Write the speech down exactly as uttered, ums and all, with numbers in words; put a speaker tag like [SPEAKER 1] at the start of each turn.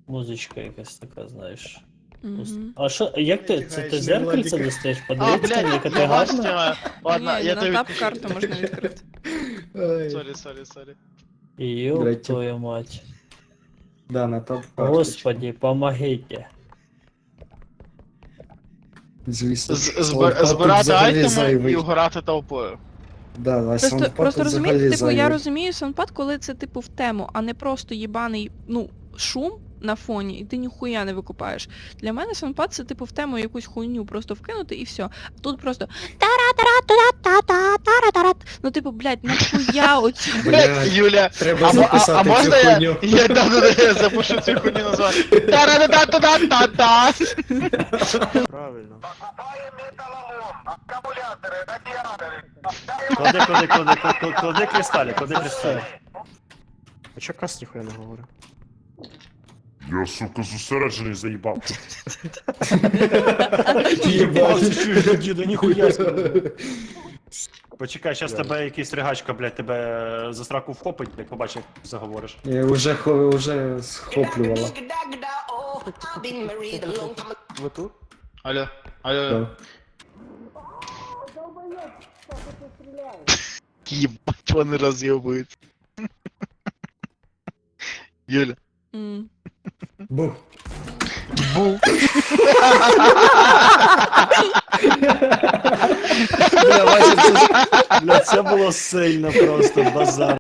[SPEAKER 1] Музичка якась така, знаєш.
[SPEAKER 2] Мгм.
[SPEAKER 1] А що, як ти, це ти зеркальце достаєш?
[SPEAKER 3] А,
[SPEAKER 1] Подивитися, там, яка
[SPEAKER 3] блядь,
[SPEAKER 1] ти
[SPEAKER 3] я
[SPEAKER 1] гарна?
[SPEAKER 3] бачите, ладно,
[SPEAKER 2] Ні,
[SPEAKER 3] я
[SPEAKER 2] на
[SPEAKER 3] тебе
[SPEAKER 2] тап
[SPEAKER 3] відпущу.
[SPEAKER 2] карту можна відкрити.
[SPEAKER 4] Ай.
[SPEAKER 3] Сорі, сорі, сорі.
[SPEAKER 1] Ёб
[SPEAKER 4] Блядь,
[SPEAKER 1] твою мать.
[SPEAKER 4] Да, на топ
[SPEAKER 1] Господи, помогите.
[SPEAKER 4] Звісно.
[SPEAKER 3] З-
[SPEAKER 4] Саундпад
[SPEAKER 3] збир-
[SPEAKER 4] тут
[SPEAKER 3] Збирати
[SPEAKER 4] взагалі
[SPEAKER 3] айтеми і
[SPEAKER 4] зайвий.
[SPEAKER 3] вгорати толпою.
[SPEAKER 4] Да, а
[SPEAKER 2] Просто,
[SPEAKER 4] саундпад
[SPEAKER 2] просто
[SPEAKER 4] тут
[SPEAKER 2] розумієте,
[SPEAKER 4] взагалі
[SPEAKER 2] типу, я
[SPEAKER 4] зайвий.
[SPEAKER 2] розумію саундпад, коли це типу в тему, а не просто їбаний, ну, шум на фоні, і ти ніхуя не викупаєш. Для мене саундпад це типу в тему якусь хуйню просто вкинути і все. А тут просто тара-тара-тара-та-та-тара-тара. Ну типу, блядь, нахуя оцю.
[SPEAKER 4] Блядь,
[SPEAKER 3] Юля,
[SPEAKER 4] треба
[SPEAKER 3] а, мо- а,
[SPEAKER 4] записати
[SPEAKER 3] а можна
[SPEAKER 4] цю
[SPEAKER 3] я,
[SPEAKER 4] хуйню.
[SPEAKER 3] я, да, да, да, я запишу цю хуйню назвати? Та-ра-та-та-та-та-та!
[SPEAKER 5] Правильно. Клади, клади, клади, клади, клади кристалі, клади кристалі. А чо кас ніхуя не говорить?
[SPEAKER 6] Я, сука, зосереджений заїбав.
[SPEAKER 5] Їбав, ти чуєш, діду, ніхуя сказати. Почекай, щас тебе якийсь ригачка, блядь, тебе за сраку вхопить, як побачиш, як заговориш.
[SPEAKER 4] Я вже, хо- вже схоплювала.
[SPEAKER 5] Ви тут?
[SPEAKER 3] Алло, алло.
[SPEAKER 4] Да.
[SPEAKER 3] Ебать, вони роз'єбують. Юля.
[SPEAKER 2] М.
[SPEAKER 4] Бух.
[SPEAKER 3] Бу.
[SPEAKER 5] Бля, Вася, це, бля, це було сильно просто, базар.